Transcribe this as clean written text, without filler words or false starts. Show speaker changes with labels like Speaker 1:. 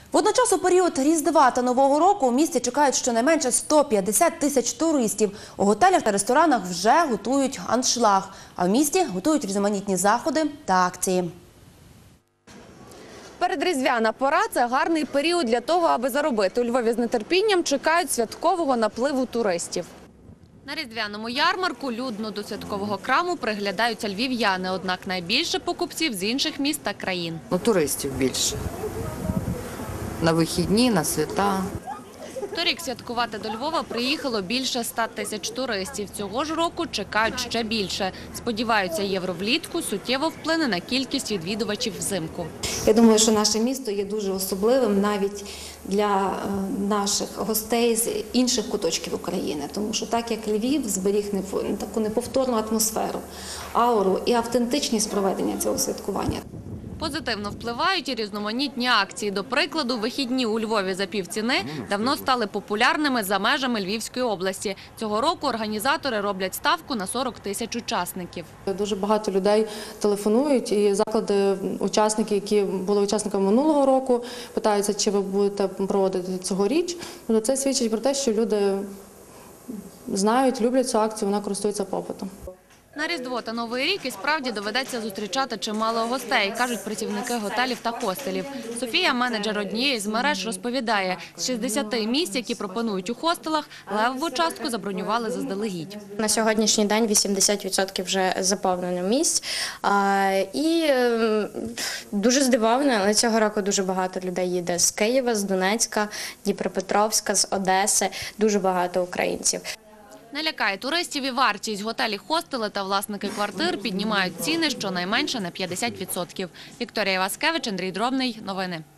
Speaker 1: Водночас у період Різдва та Нового року у місті чекають щонайменше 150 тисяч туристів. У готелях та ресторанах вже готують аншлаг, а в місті готують різноманітні заходи та акції.
Speaker 2: Передріздвяна пора – це гарний період для того, аби заробити. У Львові з нетерпінням чекають святкового напливу туристів. На різдвяному ярмарку людно до святкового краму приглядаються львів'яни, однак найбільше покупців з інших міст та країн.
Speaker 3: Туристів більше. На вихідні, на свята.
Speaker 2: Торік святкувати до Львова приїхало більше 100 тисяч туристів. Цього ж року чекають ще більше. Сподіваються, євро влітку суттєво вплине на кількість відвідувачів взимку.
Speaker 4: Я думаю, що наше місто є дуже особливим навіть для наших гостей з інших куточків України. Тому що так як Львів зберіг таку неповторну атмосферу, ауру і автентичність проведення цього святкування.
Speaker 2: Позитивно впливають і різноманітні акції. До прикладу, вихідні у Львові за півціни давно стали популярними за межами Львівської області. Цього року організатори роблять ставку на 40 тисяч учасників.
Speaker 5: Дуже багато людей телефонують і заклади, учасники, які були учасниками минулого року, питаються, чи ви будете проводити цьогоріч. Це свідчить про те, що люди знають, люблять цю акцію, вона користується попитом.
Speaker 2: На Різдво та Новий рік і справді доведеться зустрічати чимало гостей, кажуть працівники готелів та хостелів. Софія, менеджер однієї з мереж, розповідає, з 60 місць, які пропонують у хостелах, левову частку забронювали заздалегідь.
Speaker 6: На сьогоднішній день 80% вже заповнено місць. І дуже здивована, але цього року дуже багато людей їде з Києва, з Донецька, Дніпропетровська, з Одеси, дуже багато українців.
Speaker 2: Не лякає туристів і вартість. Готелі, хостели та власники квартир піднімають ціни щонайменше на 50%. Вікторія Васкевич, Андрій Дробний. Новини.